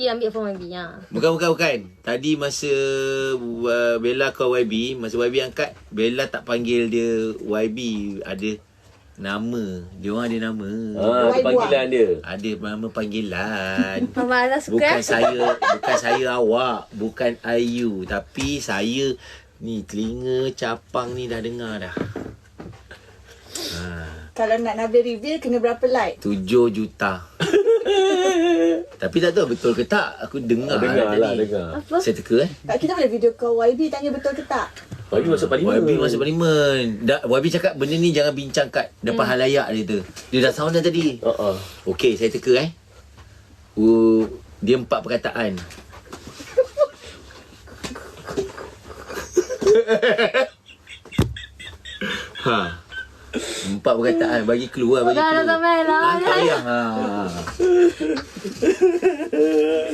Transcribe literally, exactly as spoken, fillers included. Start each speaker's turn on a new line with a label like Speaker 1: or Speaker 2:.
Speaker 1: Y B ambil phone Y B ya.
Speaker 2: Bukan, bukan, bukan. Tadi masa uh, Bella call Y B, masa Y B angkat, Bella tak panggil dia Y B. Ada nama. Dia orang ada nama.
Speaker 3: Ah, ada panggilan dia.
Speaker 2: Ada nama panggilan.
Speaker 1: Mama Azhar suka.
Speaker 2: Bukan saya, bukan saya awak, bukan Ayu, tapi saya ni telinga capang ni dah dengar dah. Ha,
Speaker 4: Kalau nak Nabil reveal, kena berapa like?
Speaker 2: tujuh juta. Tapi tak tahu betul ke tak. Aku dengar,
Speaker 3: Dengar
Speaker 2: tadi.
Speaker 3: lah, dengar.
Speaker 1: Apa?
Speaker 2: Saya teka eh.
Speaker 4: Tak, kita boleh video call Y B tanya betul ke tak?
Speaker 3: Y B masuk parlimen.
Speaker 2: Y B masuk parlimen. Da, Y B cakap benda ni jangan bincang kat depan hmm. halayak dia tu. Dia dah sound dah tadi.
Speaker 3: Uh-uh.
Speaker 2: Okey, saya teka eh. Uh, dia empat perkataan. ha. Empat perkataan. Bagi clue lah, bagi
Speaker 1: Dah,
Speaker 2: clue.
Speaker 1: dah sampai lah.
Speaker 2: Ah, tak payah. Ha.